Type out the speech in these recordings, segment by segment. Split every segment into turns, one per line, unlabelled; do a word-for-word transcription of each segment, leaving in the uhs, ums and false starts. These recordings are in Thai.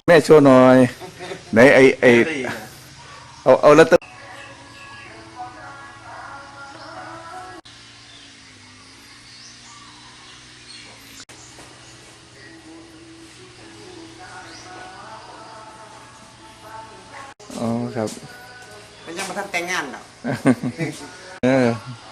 แม่โชว์หน่อยไหนไอไอเอาเอาแล้วตอ๋อครับ
มันยังมาทำแต่งงานหรอก
เออ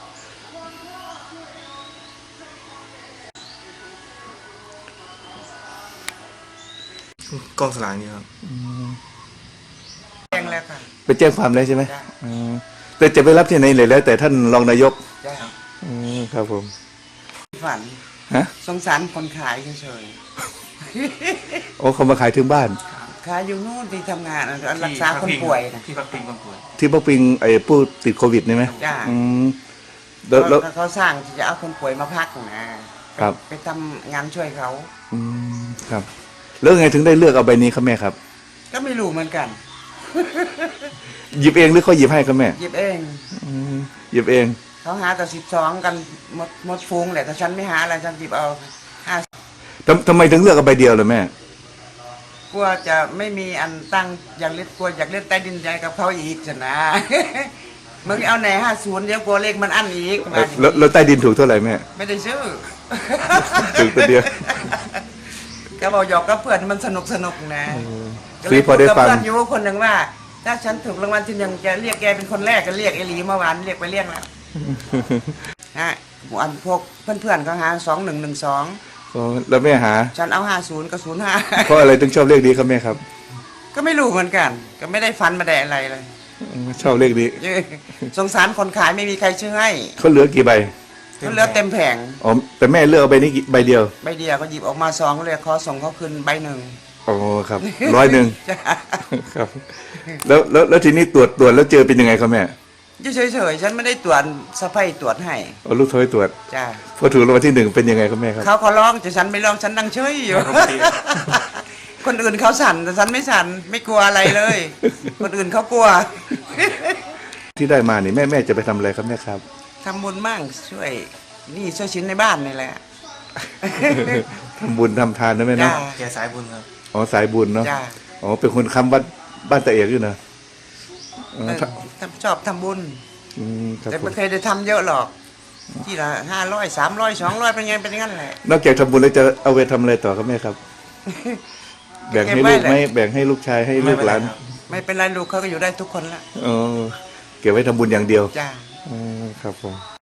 กองสลากนี่ครับ
แจ้งแล้วค่ะ
ไปแจ้งความแล้วใช่ไหม
จ้ะ
อืมแต่จะไปรับที่ไหนเลยแล้ว แต่ท่านรองนายก
จ้ะ
อืมครับผม
ฝัน
ฮะ
สงสารคนขายเฉย
โอ้เขามาขายถึงบ้าน
ๆขายอยู่นู่นที่ทำงานรักษาคนป่วยนะ
ที่พักพิงคนป่วย
ที่ปักปิงไอ้ผู้ติดโควิดนี่ไหม
จ้ะ
อืมแล้วแล้ว
เขาเขาสร้างที่จะเอาคนป่วยมาพักนะครับ ไปทำงานช่วยเขา
อืมครับแล้วไงถึงได้เลือกเอาใบนี้ครับแม่ครับ
ก็ไม่รู้เหมือนกัน
หยิบเองหรือเขาหยิบให้ครับแม่
หยิบเอง
อืมหยิบเอง
เขาหาแต่สิบสองกันหมดหมดฟูงแหละแต่ฉันไม่หาอะไรฉันหยิบเอาห้า
ทำทำไมถึงเลือกเอาใบเดียวเลยแม่
กลัวจะไม่มีอันตั้งอยากเล่นกลัวอยากเล่นใต้ดินใจกับเขาอีกจะนะ มึงเอาไหนห้าศูนย์เดี๋ยวกลัวเลขมันอั้นอีก
แล้วแล้วใต้ดินถูกเท่าไหร่แม่
ไม่ได้ซื้อ
ถูกตัวเดียว
ก็บอกหยอกกับเพื่อนมันสนุกสนุกนะ
ซื้อพอได้ฟัง
เพื่อนอยู่คนหนึ่งว่าถ้าฉันถูกรางวัลที่หนึ่งจะเรียกแกเป็นคนแรกก็เรียกไอหลีเมื่อวานเรียกไปเรียกแล้วฮะอันพวกเพื่อนๆก็หาสองหนึ่งหนึ่งสอง
แล้วแม่หา
ฉันเอาห้าศูนย์กับศูนย์ห้า
เพราะอะไรถึงชอบเลขนี้ครับแม่ครับ
ก็ไม่รู้เหมือนกันก็ไม่ได้ฟันมาได้อะไรเลย
ชอบเลขนี้
สงสารคนขายไม่มีใครซื้อให้
เขาเหลือกี่ใบ
เขาเหลือเต็มแผง
อ๋อแต่แม่เลือกเอาใบนี้ใบเดียว
ใบเดียวก็หยิบออกมาสองเลยขอส่งเขาคืนใบหนึ่ง
อ๋อครับร้อยหนึ่งครับแล้วแล้วแล้วทีนี้ตรวจตรวจแล้วเจอเป็นยังไงครับแม่
เฉยเฉยฉันไม่ได้ตรวจสะพ้ายตรวจให้
เอาลูกโทยตรวจ
จ้า
พอถูกรางวัลที่หนึ่งเป็นยังไงครับแม่ครับ
เขาขอร้องแต่ฉันไม่ร้องฉันนั่งเฉยอยู่คนอื่นเขาสั่นแต่ฉันไม่สั่นไม่กลัวอะไรเลยคนอื่นเขากลัว
ที่ได้มานี่แม่แม่จะไปทำอะไรครับแม่ครับ
ทำบุญมั่งช่วยนี่ช่วยชิ้นในบ้านนี่แหละ
ทำบุญทำทานนะแม่เนาะ
แกสายบุญครับ
อ๋อสายบุญเนาะอ๋อเป็นคนค้ำบ้านบ้านตะเอกอยู่นะ
ชอบทำบุญแต่ไม่เคยได้ทำเยอะหรอกที่ละห้าร้อยสามร้อยสองร้อยเป็นไงเป็นงั้นแหละ
นอกจากทำบุญแล้วจะเอาไปทำอะไรต่อครับแม่ครับแบ่งให้ลูกไหมแบ่งให้ลูกชายให้ลูกหลาน
ไม่เป็นไรลูกเขาก็อยู่ได้ทุกคนละ
อ๋อเก็บไว้ทำบุญอย่างเดียว
จ้า
อ๋อครับผม